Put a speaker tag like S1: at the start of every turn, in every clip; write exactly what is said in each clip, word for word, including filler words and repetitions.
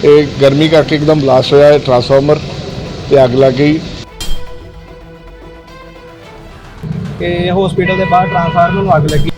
S1: ਇਹ ਗਰਮੀ ਕਰਕੇ ਇੱਕਦਮ ਬਲਾਸਟ ਹੋਇਆ ਹੈ ਟਰਾਂਸਫਾਰਮਰ ਤੇ ਅੱਗ ਲੱਗ ਗਈ।
S2: ਕਿ ਹਸਪੀਟਲ ਦੇ ਬਾਹਰ ਟਰਾਂਸਫਾਰਮਰ ਨੂੰ ਅੱਗ ਲੱਗੀ।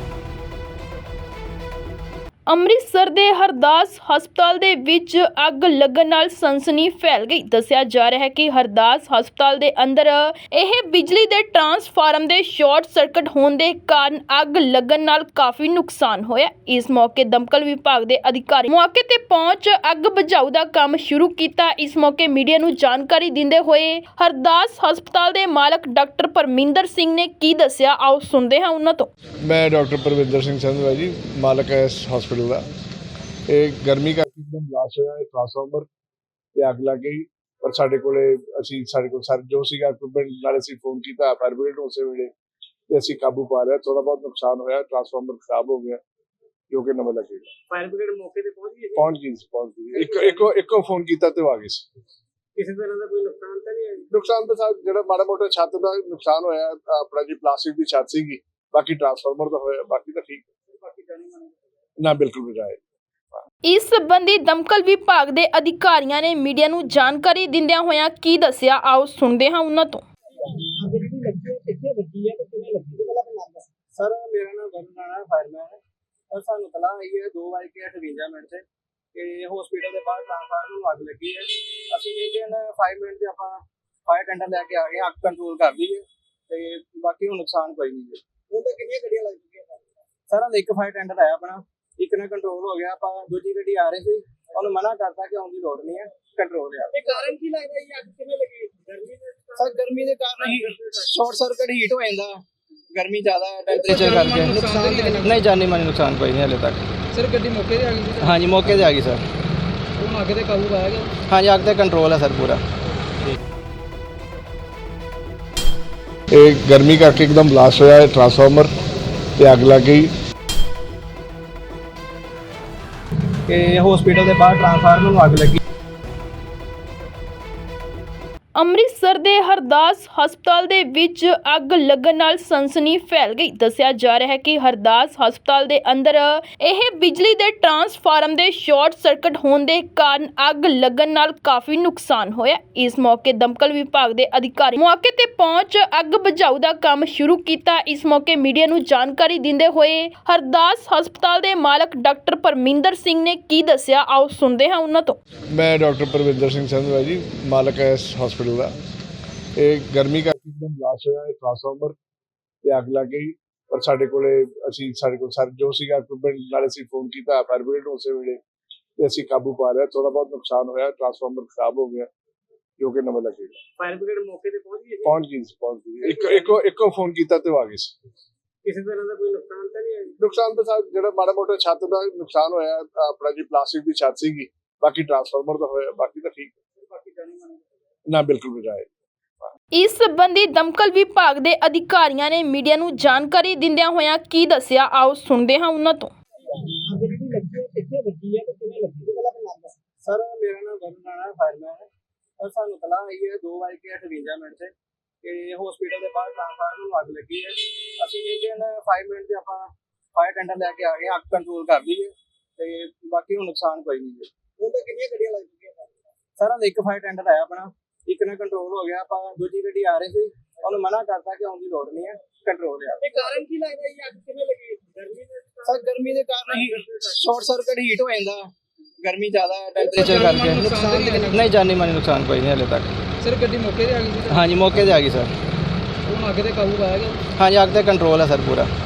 S3: ਅੰਮ੍ਰਿਤਸਰ ਦੇ ਹਰਦਾਸ ਹਸਪਤਾਲ ਦੇ ਵਿੱਚ ਅੱਗ ਲੱਗਣ ਨਾਲ ਸਨਸਨੀ ਫੈਲ ਗਈ। ਦੱਸਿਆ ਜਾ ਰਿਹਾ ਹੈ ਕਿ ਹਰਦਾਸ ਹਸਪਤਾਲ ਦੇ ਅੰਦਰ ਇਹ ਬਿਜਲੀ ਦੇ ਟਰਾਂਸਫਾਰਮ ਦੇ ਸ਼ਾਰਟ ਸਰਕਟ ਹੋਣ ਦੇ ਕਾਰਨ ਅੱਗ ਲੱਗਣ ਨਾਲ ਕਾਫੀ ਨੁਕਸਾਨ ਹੋਇਆ। ਇਸ ਮੌਕੇ ਦਮਕਲ ਵਿਭਾਗ ਦੇ ਅਧਿਕਾਰੀ ਮੌਕੇ ਤੇ ਪਹੁੰਚ ਅੱਗ ਬੁਝਾਊ ਦਾ ਕੰਮ ਸ਼ੁਰੂ ਕੀਤਾ। ਇਸ ਮੌਕੇ ਮੀਡੀਆ ਨੂੰ ਜਾਣਕਾਰੀ ਦਿੰਦੇ ਹੋਏ ਹਰਦਾਸ ਹਸਪਤਾਲ ਦੇ ਮਾਲਕ ਡਾਕਟਰ ਪਰਮਿੰਦਰ ਸਿੰਘ ਨੇ ਕੀ ਦੱਸਿਆ, ਆਓ ਸੁਣਦੇ ਹਾਂ ਉਹਨਾਂ ਤੋਂ।
S1: ਮੈਂ ਡਾਕਟਰ ਪਰਮਿੰਦਰ ਸਿੰਘ ਸੰਧਵਾ ਜੀ, ਮਾਲਕ ਹੈ ਇਸ ਹਸਪੀਟਲ ਦਾ। ਇਹ ਗਰਮੀ ਕਰਕੇ ਇੱਕਦਮ ਬਲਾਸਟ ਹੋਇਆ ਹੈ ਟਰਾਂਸਫਾਰਮਰ ਤੇ ਅੱਗ ਲੱਗ ਗਈ। ਪਰ ਸਾਡੇ ਕੋਲੇ ਅਸੀਂ ਸਾਡੇ ਕੋਲ ਸਰ ਜੋ ਸੀਗਾ ਇਕਵਿਪਮੈਂਟ ਨਾਲ ਅਸੀਂ ਫੋਨ ਕੀਤਾ ਫਾਇਰ ਬ੍ਰਿਗੇਡ ਨੂੰ, ਉਸੇ ਵੇਲੇ ਤੇ ਅਸੀਂ ਕਾਬੂ ਪਾ ਲਿਆ। ਥੋੜਾ ਬਹੁਤ ਨੁਕਸਾਨ ਹੋਇਆ, ਟਰਾਂਸਫਾਰਮਰ ਖਰਾਬ ਹੋ ਗਿਆ ਜੋ ਕਿ ਨਵਾਂ ਲੱਗੇਗਾ।
S2: ਫਾਇਰ ਬ੍ਰਿਗੇਡ ਮੌਕੇ ਤੇ ਪਹੁੰਚ ਗਈ?
S1: ਪਹੁੰਚ ਗਈ ਸੀ ਪਹੁੰਚ ਗਈ ਇੱਕ ਇੱਕੋ ਇੱਕੋ ਫੋਨ ਕੀਤਾ ਤੇ ਉਹ ਆ ਗਈ ਸੀ।
S2: ਕਿਸੇ ਤਰ੍ਹਾਂ ਦਾ ਕੋਈ ਨੁਕਸਾਨ ਤਾਂ ਨਹੀਂ ਹੈ?
S1: ਨੁਕਸਾਨ ਤਾਂ ਸਾਹਿਬ ਜਿਹੜਾ ਮਾੜਾ ਮੋਟਾ ਛੱਤ ਦਾ ਨੁਕਸਾਨ ਹੋਇਆ, ਆਪਣਾ ਜੀ ਪਲਾਸਟਿਕ ਦੀ ਛੱਤ ਸੀਗੀ, ਬਾਕੀ ਟਰਾਂਸਫਾਰਮਰ ਦਾ ਹੋਇਆ, ਬਾਕੀ ਤਾਂ ਠੀਕ
S2: ਬਾਕੀ ਜਾਣੀ ਮਾਨੀ
S1: ਨਾ ਬਿਲਕੁਲ ਬਜਾਏ।
S3: ਇਸ ਸੰਬੰਧੀ ਦਮਕਲ ਵਿਭਾਗ ਦੇ ਅਧਿਕਾਰੀਆਂ ਨੇ ਮੀਡੀਆ ਨੂੰ ਜਾਣਕਾਰੀ ਦਿੰਦਿਆਂ ਹੋਇਆਂ ਕੀ ਦੱਸਿਆ, ਆਓ ਸੁਣਦੇ ਹਾਂ ਉਹਨਾਂ ਤੋਂ।
S2: ਸਰ ਮੇਰਾ ਨਾਮ ਵਰੁਣ ਰਾਣਾ ਫਾਇਰਮੈਨ ਹੈ। ਸਰ ਸਾਨੂੰ ਤਲਾਹ ਆਈ ਹੈ ਦੋ ਵਜੇ ਕੇ ਅਠਵੰਜਾ ਮਿੰਟ ਤੇ ਕਿ ਹਸਪੀਟਲ ਦੇ ਬਾਹਰ ਟਰਾਂਸਫਾਰਮਰ ਨੂੰ ਅੱਗ ਲੱਗੀ ਹੈ। ਅਸੀਂ ਵਿਦਿਨ ਪੰਜ ਮਿੰਟ ਤੇ ਆਪਾਂ ਫਾਇਰ ਟੈਂਡਰ ਲੈ ਕੇ ਆ ਗਏ, ਅੱਗ ਕੰਟਰੋਲ ਕਰ ਲਈ ਹੈ ਤੇ ਬਾਕੀ ਹੁਣ ਨੁਕਸਾਨ ਕੋਈ ਨਹੀਂ ਹੈ। ਹੁਣ ਤਾਂ ਕਿੰਨੀਆਂ ਗੱਡੀਆਂ ਲੱਗ ਚੁੱਕੀਆਂ ਸਰ? ਇੱਕ ਫਾਇਰ ਟੈਂਡਰ ਆਇਆ ਆਪਣਾ, ਇੱਕ ਨਾਲ ਕੰਟਰੋਲ ਹੋ ਗਿਆ। ਆਪਾਂ ਦੂਜੀ ਗੱਡੀ ਆ ਰਹੀ ਸੀ, ਉਹਨੂੰ ਮਨਾ ਕਰਤਾ ਕਿ ਆਉਣ ਦੀ ਲੋੜ ਨਹੀਂ ਹੈ, ਕੰਟਰੋਲ ਹੈ। ਇਹ ਕਾਰਨ ਕੀ ਲੱਗਦਾ ਜੀ ਅੱਗ ਕਿਵੇਂ ਲੱਗੀ? ਗਰਮੀ ਦੇ ਸਰ ਗਰਮੀ ਦੇ ਕਾਰਨ ਹੀ ਸ਼ਾਰਟ ਸਰਕਟ ਹੀਟ ਹੋ ਜਾਂਦਾ, ਗਰਮੀ ਜ਼ਿਆਦਾ ਟੈਂਪਰੇਚਰ ਕਰਕੇ। ਨੁਕਸਾਨ ਨਹੀਂ, ਜਾਨੀ ਮਾਨੀ ਨੁਕਸਾਨ ਕੋਈ ਨਹੀਂ ਹਲੇ ਤੱਕ। ਸਰ ਗੱਡੀ ਮੌਕੇ ਤੇ ਆ ਗਈ? ਹਾਂਜੀ ਮੌਕੇ ਤੇ ਆ ਗਈ ਸਰ। ਹੁਣ ਅੱਗ ਤੇ ਕਾਬੂ ਪਾਇਆ ਗਿਆ? ਹਾਂਜੀ ਅੱਗ ਤੇ ਕੰਟਰੋਲ ਹੈ ਸਰ ਪੂਰਾ।
S1: ਇਹ ਗਰਮੀ ਕਰਕੇ ਇੱਕਦਮ ਬਲਾਸਟ ਹੋਇਆ ਹੈ ਟਰਾਂਸਫਾਰਮਰ ਤੇ ਅੱਗ ਲੱਗ ਗਈ।
S2: ਕਿ ਹਸਪੀਟਲ ਦੇ ਬਾਹਰ ਟਰਾਂਸਫਾਰਮਰ ਨੂੰ ਅੱਗ ਲੱਗੀ।
S3: ਅੰਮ੍ਰਿਤਸਰ ਦੇ ਹਰਦਾਸ ਹਸਪਤਾਲ ਦੇ ਵਿੱਚ ਅੱਗ ਲੱਗਣ ਨਾਲ ਸਨਸਨੀ ਫੈਲ ਗਈ। ਦੱਸਿਆ ਜਾ ਰਿਹਾ ਹੈ ਕਿ ਹਰਦਾਸ ਹਸਪਤਾਲ ਦੇ ਅੰਦਰ ਇਹ ਬਿਜਲੀ ਦੇ ਟਰਾਂਸਫਾਰਮ ਦੇ ਸ਼ਾਰਟ ਸਰਕਟ ਹੋਣ ਦੇ ਕਾਰਨ ਅੱਗ ਲੱਗਣ ਨਾਲ ਕਾਫੀ ਨੁਕਸਾਨ ਹੋਇਆ। ਇਸ ਮੌਕੇ ਦਮਕਲ ਵਿਭਾਗ ਦੇ ਅਧਿਕਾਰੀ ਮੌਕੇ ਤੇ ਪਹੁੰਚ ਅੱਗ ਬੁਝਾਊ ਦਾ ਕੰਮ ਸ਼ੁਰੂ ਕੀਤਾ। ਇਸ ਮੌਕੇ ਮੀਡੀਆ ਨੂੰ ਜਾਣਕਾਰੀ ਦਿੰਦੇ ਹੋਏ ਹਰਦਾਸ ਹਸਪਤਾਲ ਦੇ ਮਾਲਕ ਡਾਕਟਰ ਪਰਮਿੰਦਰ ਸਿੰਘ ਨੇ ਕੀ ਦੱਸਿਆ, ਆਓ ਸੁਣਦੇ ਹਾਂ ਉਹਨਾਂ ਤੋਂ।
S1: ਮੈਂ ਡਾਕਟਰ ਪਰਮਿੰਦਰ ਸਿੰਘ ਸੰਧਵਾ ਜੀ, ਮਾਲਕ ਹੈ ਇਸ ਹਸਪੀਟਲ ਦਾ। ਇਹ ਗਰਮੀ ਕਰਕੇ ਇੱਕਦਮ ਬਲਾਸਟ ਹੋਇਆ ਹੈ ਟਰਾਂਸਫਾਰਮਰ ਤੇ ਅੱਗ ਲੱਗ ਗਈ। ਪਰ ਸਾਡੇ ਕੋਲੇ ਅਸੀਂ ਸਾਡੇ ਕੋਲ ਸਰ ਜੋ ਸੀਗਾ ਇਕਵਿਪਮੈਂਟ ਨਾਲ ਅਸੀਂ ਫੋਨ ਕੀਤਾ ਫਾਇਰ ਬ੍ਰਿਗੇਡ ਨੂੰ, ਉਸੇ ਵੇਲੇ ਤੇ ਅਸੀਂ ਕਾਬੂ ਪਾ ਲਿਆ। ਥੋੜਾ ਬਹੁਤ ਨੁਕਸਾਨ ਹੋਇਆ, ਟਰਾਂਸਫਾਰਮਰ ਖਰਾਬ ਹੋ ਗਿਆ ਜੋ ਕਿ ਨਵਾਂ ਲੱਗੇਗਾ।
S2: ਫਾਇਰ ਬ੍ਰਿਗੇਡ ਮੌਕੇ ਤੇ ਪਹੁੰਚ ਗਈ?
S1: ਪਹੁੰਚ ਗਈ ਸੀ ਪਹੁੰਚ ਗਈ ਇੱਕ ਇੱਕੋ ਇੱਕੋ ਫੋਨ ਕੀਤਾ ਤੇ ਉਹ ਆ ਗਈ ਸੀ।
S2: ਕਿਸੇ ਤਰ੍ਹਾਂ ਦਾ ਕੋਈ ਨੁਕਸਾਨ ਤਾਂ ਨਹੀਂ ਹੈ?
S1: ਨੁਕਸਾਨ ਤਾਂ ਸਾਹਿਬ ਜਿਹੜਾ ਮਾੜਾ ਮੋਟਾ ਛੱਤ ਦਾ ਨੁਕਸਾਨ ਹੋਇਆ, ਆਪਣਾ ਜੀ ਪਲਾਸਟਿਕ ਦੀ ਛੱਤ ਸੀਗੀ, ਬਾਕੀ ਟਰਾਂਸਫਾਰਮਰ ਦਾ ਹੋਇਆ, ਬਾਕੀ ਤਾਂ ਠੀਕ
S2: ਬਾਕੀ ਜਾਣੀ ਮਾਨੀ
S1: ਨਾ ਬਿਲਕੁਲ ਬਜਾਏ।
S3: ਇਸ ਸੰਬੰਧੀ ਦਮਕਲ ਵਿਭਾਗ ਦੇ ਅਧਿਕਾਰੀਆਂ ਨੇ ਮੀਡੀਆ ਨੂੰ ਜਾਣਕਾਰੀ ਦਿੰਦਿਆਂ ਹੋਇਆਂ ਕੀ ਦੱਸਿਆ, ਆਓ ਸੁਣਦੇ ਹਾਂ ਉਹਨਾਂ ਤੋਂ।
S2: ਸਰ ਮੇਰਾ ਨਾਮ ਵਰੁਣ ਰਾਣਾ ਫਾਇਰਮੈਨ ਹੈ। ਸਰ ਸਾਨੂੰ ਤਲਾਹ ਆਈ ਹੈ ਦੋ ਵਜੇ ਕੇ ਅਠਵੰਜਾ ਮਿੰਟ ਤੇ ਕਿ ਹਸਪੀਟਲ ਦੇ ਬਾਹਰ ਟਰਾਂਸਫਾਰਮਰ ਨੂੰ ਅੱਗ ਲੱਗੀ ਹੈ। ਅਸੀਂ ਵਿਦਿਨ ਪੰਜ ਮਿੰਟ ਤੇ ਆਪਾਂ ਫਾਇਰ ਟੈਂਡਰ ਲੈ ਕੇ ਆ ਗਏ, ਅੱਗ ਕੰਟਰੋਲ ਕਰ ਲਈ ਹੈ ਤੇ ਬਾਕੀ ਹੁਣ ਨੁਕਸਾਨ ਕੋਈ ਨਹੀਂ ਹੈ। ਹੁਣ ਤਾਂ ਕਿੰਨੀਆਂ ਗੱਡੀਆਂ ਲੱਗ ਚੁੱਕੀਆਂ ਸਰ? ਇੱਕ ਫਾਇਰ ਟੈਂਡਰ ਆਇਆ ਆਪਣਾ, ਇੱਕ ਨਾਲ ਕੰਟਰੋਲ ਹੋ ਗਿਆ। ਆਪਾਂ ਦੂਜੀ ਗੱਡੀ ਆ ਰਹੀ ਸੀ, ਉਹਨੂੰ ਮਨਾ ਕਰਤਾ ਕਿ ਆਉਣ ਦੀ ਲੋੜ ਨਹੀਂ ਹੈ, ਕੰਟਰੋਲ ਹੈ। ਇਹ ਕਾਰਨ ਕੀ ਲੱਗਦਾ ਜੀ ਅੱਗ ਕਿਵੇਂ ਲੱਗੀ? ਗਰਮੀ ਦੇ ਸਰ ਗਰਮੀ ਦੇ ਕਾਰਨ ਹੀ ਸ਼ਾਰਟ ਸਰਕਟ ਹੀਟ ਹੋ ਜਾਂਦਾ, ਗਰਮੀ ਜ਼ਿਆਦਾ ਟੈਂਪਰੇਚਰ ਕਰਕੇ। ਨੁਕਸਾਨ ਨਹੀਂ, ਜਾਨੀ ਮਾਨੀ ਨੁਕਸਾਨ ਕੋਈ ਨਹੀਂ ਹਲੇ ਤੱਕ। ਸਰ ਗੱਡੀ ਮੌਕੇ ਤੇ ਆ ਗਈ? ਹਾਂਜੀ ਮੌਕੇ ਤੇ ਆ ਗਈ ਸਰ। ਹੁਣ ਅੱਗ ਤੇ ਕਾਬੂ ਪਾਇਆ ਗਿਆ? ਹਾਂਜੀ ਅੱਗ ਤੇ ਕੰਟਰੋਲ ਹੈ ਸਰ ਪੂਰਾ।